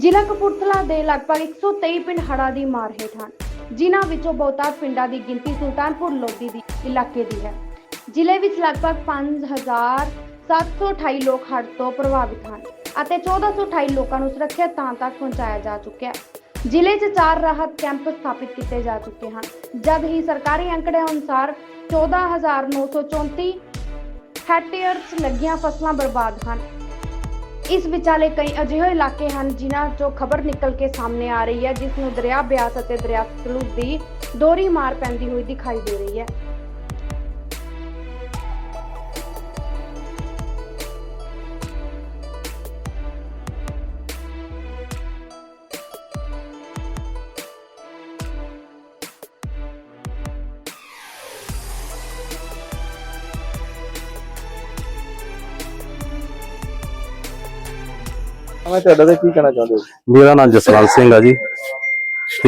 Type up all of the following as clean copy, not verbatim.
ਜ਼ਿਲ੍ਹਾ ਕਪੂਰਥਲਾ ਦੇ ਲਗਭਗ 123 ਪਿੰਡ ਹੜ੍ਹਾਂ ਦੀ ਮਾਰ ਹੇਠ ਹਨ, ਜਿਨ੍ਹਾਂ ਵਿੱਚੋਂ ਬਹੁਤਾਤ ਪਿੰਡਾਂ ਦੀ ਗਿਣਤੀ ਸੁਲਤਾਨਪੁਰ ਲੋਧੀ ਦੀ ਇਲਾਕੇ ਦੀ ਹੈ। ਜ਼ਿਲ੍ਹੇ ਵਿੱਚ ਲਗਭਗ 5728 ਲੋਕ ਹੜ੍ਹ ਤੋਂ ਪ੍ਰਭਾਵਿਤ ਹਨ ਅਤੇ 1428 ਲੋਕਾਂ ਨੂੰ ਸੁਰੱਖਿਅਤ ਥਾਂ ਤੱਕ ਪਹੁੰਚਾਇਆ ਜਾ ਚੁੱਕਿਆ ਹੈ। ਜ਼ਿਲ੍ਹੇ 'ਚ 4 ਰਾਹਤ ਕੈਂਪ ਸਥਾਪਿਤ ਕੀਤੇ ਜਾ ਚੁੱਕੇ ਹਨ, ਜਦ ਹੀ ਸਰਕਾਰੀ ਅੰਕੜਿਆਂ ਅਨੁਸਾਰ 14934 ਹੈਕਟੇਅਰ 'ਚ ਲੱਗੀਆਂ ਫਸਲਾਂ ਬਰਬਾਦ ਹਨ। ਇਸ ਵਿਚਾਲੇ ਕਈ ਅਜਿਹੇ ਇਲਾਕੇ ਹਨ ਜਿਨ੍ਹਾਂ 'ਚੋਂ ਖਬਰ ਨਿਕਲ ਕੇ ਸਾਹਮਣੇ ਆ ਰਹੀ ਹੈ, ਜਿਸ ਨੂੰ ਦਰਿਆ ਬਿਆਸ ਅਤੇ ਦਰਿਆ ਸਤਲੁਜ ਦੀ ਦੋਹਰੀ ਮਾਰ ਪੈਂਦੀ ਹੋਈ ਦਿਖਾਈ ਦੇ ਰਹੀ ਹੈ। मैं ਤੁਹਾਡਾ ਤੇ ਕੀ ਕਹਿਣਾ ਚਾਹੁੰਦੇ ਹੋ? मेरा नाम जसवंत सिंह है जी। ते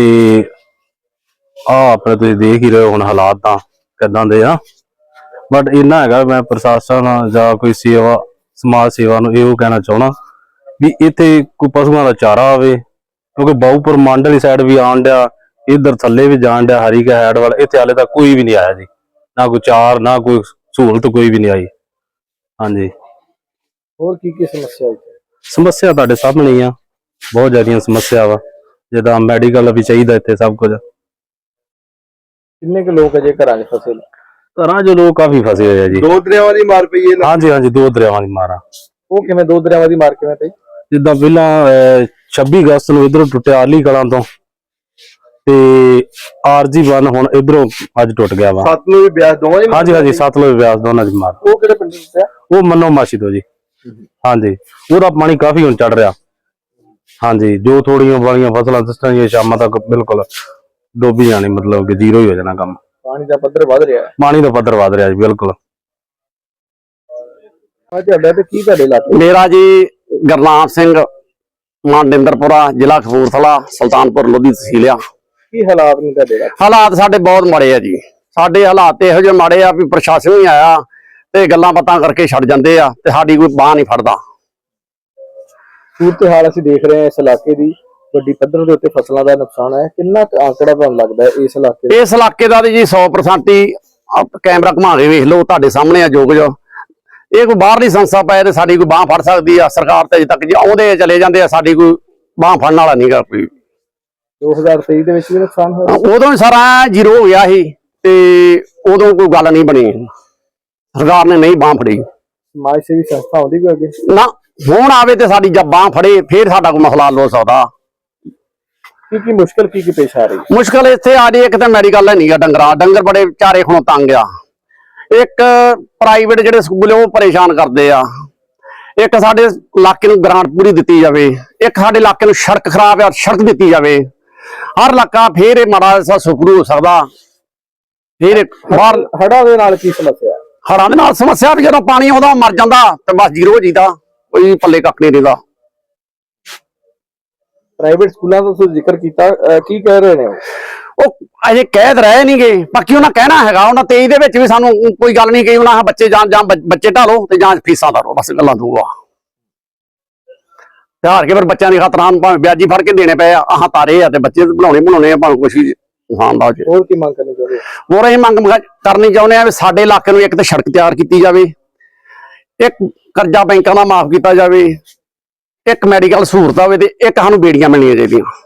अपने तुसीं देख ही रहे हो हुण हालात तां किदां दे आ, बट इन्ना हैगा मैं प्रशासन जां कोई सेवा समाज सेवा नूं इहो कहना चाहुंदा भी इत्थे कोई पशुआं दा चारा होवे, क्योंकि बाहूपुर मंड वाली साइड भी आण डिया, इधर थल्ले भी जाण डिया हरीके हैड वाल, इत्थे हाले तक कोई भी नहीं आया जी, ना कोई चार ना कोई सहूलत कोई भी नहीं आई। हाँ जी, ਹੋਰ ਕੀ ਸਮੱਸਿਆ ਹੈ? समस्या तुहाडे सामने ही आ, बहुत ज्यादा समस्या वा, जिद्दां मैडिकल भी चाहिए इत्थे सब कुछ। किन्ने के लोग अजे घरां 'च फसे ने? घरां 'च लोग काफी फसे हुए हैं जी। दो दरियावां दी मार पई है? हाँ जी हाँ जी, 2 दरियावां दी मार आ। ਉਹ ਕਿਵੇਂ ਦੋ ਦਰਿਆਵਾਂ ਦੀ ਮਾਰ ਕਿਵੇਂ ਪਈ? जिद्दां पहलां 26 अगस्त नूं इधरों टुੱਟਿਆ आली कलां तो ते आरजी 1 हुण इधरों अज टुੱਟ ਗਿਆ वा। ਸਤਲੁਜ ਵੀ ਬਿਆਸ ਦੋਵਾਂ ਦੀ? हाँ जी हाँ जी, सतलुज ब्यास दोनों दी मार। ਉਹ ਕਿਹੜੇ ਪਿੰਡ ਤੋਂ ਪਿਆ? वो मन्नो मासी तो जी। हाँ जी, पूरा पानी काफी हुण चढ़ रहा। हाँ जी, जो थोड़ियां वालियां फसलां दिसणगीਆਂ शामां तक बिल्कुल डोबी जानी, मतलब कि जीरो ही हो जाना काम। ਪਾਣੀ ਦਾ ਪੱਧਰ ਵੱਧ ਰਿਹਾ ਹੈ? पानी दा पद्धर वध रहा जी बिल्कुल। ਆ ਤੁਹਾਡਾ ਤੇ ਕੀ ਤੁਹਾਡੇ ਇਲਾਕੇ? मेरा जी गुरनाम सिंह मांडिंदरपुरा, जिला कपूरथला, सुल्तानपुर लोधी तहसील आ। ਕੀ ਹਾਲਾਤ ਨੇ ਤੁਹਾਡੇ ਇਲਾਕੇ? हालात साडे बहुत माड़े आ जी। साडे हालात इहो ਜਿਹੇ माड़े आ भी प्रशासन ही आया ते गल्लां बातां करके छड़ जांदे आ ते साडी कोई बांह नहीं फड़दा। ਸੂਰਤ ਹਾਲ ਅਸੀਂ ਦੇਖ ਰਹੇ ਹਾਂ ਇਸ ਇਲਾਕੇ ਦੀ, ਵੱਡੀ ਪੱਧਰ ਦੇ ਉੱਤੇ ਫਸਲਾਂ ਦਾ ਨੁਕਸਾਨ ਹੈ। ਕਿੰਨਾ ਕੁ ਆંકੜਾ ਤੁਹਾਨੂੰ ਲੱਗਦਾ ਹੈ ਇਸ ਇਲਾਕੇ ਦਾ? इस इलाके दा जी 100% ही कैमरा घुमा के वेख लो, तुहाडे सामने आ जो कुछ। ਇਹ ਕੋਈ ਬਾਹਰਲੀ ਸੰਸਥਾ ਪਏ ਤੇ ਸਾਡੀ ਕੋਈ ਬਾਂਹ ਫੜ ਸਕਦੀ ਆ? ਸਰਕਾਰ ਤੇ ਅਜੇ ਤੱਕ ਜੀ ਆਉਂਦੇ ਚਲੇ ਜਾਂਦੇ ਆ, ਸਾਡੀ ਕੋਈ ਬਾਂਹ ਫੜਨ ਵਾਲਾ ਨਹੀਂਗਾ ਕੋਈ। 2023 ਦੇ ਵਿੱਚ ਵੀ ਨੁਕਸਾਨ ਹੋਇਆ? ਉਦੋਂ ਹੀ ਸਾਰਾ ਜ਼ੀਰੋ ਹੋ ਗਿਆ ਸੀ ਤੇ ਉਦੋਂ ਕੋਈ ਗੱਲ ਨਹੀਂ ਬਣੀ, ਸਰਕਾਰ ਨੇ ਨਹੀਂ ਬਾਂਹ ਫੜੀ। ਸਮਾਜ ਸੇਵੀ ਸੰਸਥਾ ਆਉਂਦੀ ਕੋਈ ਅੱਗੇ? ਨਾ, ਹੁਣ ਆਵੇ ਤੇ ਸਾਡੀ ਜਦ ਬਾਂਹ ਫੜੇ ਫੇਰ ਸਾਡਾ ਕੋਈ ਮਸਲਾ ਹੱਲ ਹੋ ਸਕਦਾ। ਕੀ ਮੁਸ਼ਕਲ ਕੀ ਪੇਸ਼ ਆ ਰਹੀ? ਮੁਸ਼ਕਲ ਇੱਥੇ ਆ ਰਹੀ, ਇੱਕ ਤਾਂ ਮੈਡੀਕਲ ਹੈ ਨਹੀਂਗਾ, ਡੰਗਰ ਬੜੇ ਵਿਚਾਰੇ ਹੁਣ ਤੰਗ ਆ। ਇੱਕ ਪ੍ਰਾਈਵੇਟ ਜਿਹੜੇ ਸਕੂਲ ਉਹ ਪਰੇਸ਼ਾਨ ਕਰਦੇ ਆ। ਇੱਕ ਸਾਡੇ ਇਲਾਕੇ ਨੂੰ ਗ੍ਰਾਂਟ ਪੂਰੀ ਦਿੱਤੀ ਜਾਵੇ। ਇੱਕ ਸਾਡੇ ਇਲਾਕੇ ਨੂੰ ਸੜਕ ਖਰਾਬ ਆ, ਸੜਕ ਦਿੱਤੀ ਜਾਵੇ। ਹਰ ਇਲਾਕਾ ਫੇਰ ਇਹ ਮਾੜਾ ਜਿਹਾ ਸੁਪਰੂ ਹੋ ਸਕਦਾ। ਫੇਰ ਬਾਹਰ ਹੜ੍ਹਾਂ ਦੇ ਨਾਲ ਕੀ ਸਮੱਸਿਆ? ਹੜ੍ਹਾਂ ਦੇ ਨਾਲ ਸਮੱਸਿਆ ਵੀ ਜਦੋਂ ਪਾਣੀ ਆਉਂਦਾ ਮਰ ਜਾਂਦਾ ਤੇ ਬਸ ਜ਼ੀਰੋ ਹੋ ਜੀਦਾ, ਕੋਈ ਪੱਲੇ ਕੱਖ ਨਹੀਂ ਰਹਿੰਦਾ। ਪ੍ਰਾਈਵੇਟ ਸਕੂਲਾਂ ਦਾ ਤੁਸੀਂ ਜ਼ਿਕਰ ਕੀਤਾ, ਕੀ ਕਹਿ ਰਹੇ ਨੇ ਉਹ ਅਜੇ ਕਹਿ ਰਹੇ ਨਹੀਂਗੇ, ਬਾਕੀ ਉਹਨਾਂ ਕਹਿਣਾ ਹੈਗਾ। ਉਹਨਾਂ 23 ਦੇ ਵਿੱਚ ਵੀ ਸਾਨੂੰ ਕੋਈ ਗੱਲ ਨਹੀਂ ਕਹੀ, ਉਹਨਾਂ ਬੱਚੇ ਜਾਂ ਬੱਚੇ ਢਾਲੋ ਤੇ ਜਾਂ ਫੀਸਾਂ ਧਾਰੋ, ਬਸ ਗੱਲਾਂ ਦੂਆ ਹਾਰ ਕੇ ਫਿਰ ਬੱਚਿਆਂ ਦੀ ਖਾਤਰ ਭਾਵੇਂ ਵਿਆਜੀ ਫੜ ਕੇ ਦੇਣੇ ਪਏ ਆ, ਆਹ ਤਾਰੇ ਆ ਤੇ ਬੱਚੇ ਬਣਾਉਣੇ ਆ, ਭਾਵੇਂ ਕੁਛ ਵੀ ਖਾਂਦਾ। ਹੋਰ ਕੀ ਮੰਗ ਕਰਨੀ ਚਾਹੁੰਦੇ? ਹੋਰ ਅਸੀਂ ਮੰਗ ਕਰਨੀ ਚਾਹੁੰਦੇ ਆ ਵੀ ਸਾਡੇ ਇਲਾਕੇ ਨੂੰ ਇੱਕ ਤਾਂ ਸੜਕ ਤਿਆਰ ਕੀਤੀ ਜਾਵੇ, ਇੱਕ ਕਰਜ਼ਾ ਬੈਂਕਾਂ ਦਾ ਮਾਫ ਕੀਤਾ ਜਾਵੇ, ਇੱਕ ਮੈਡੀਕਲ ਸਹੂਲਤ ਹੋਵੇ ਤੇ ਇੱਕ ਸਾਨੂੰ ਬੇੜੀਆਂ ਮਿਲਣੀਆਂ ਚਾਹੀਦੀਆਂ।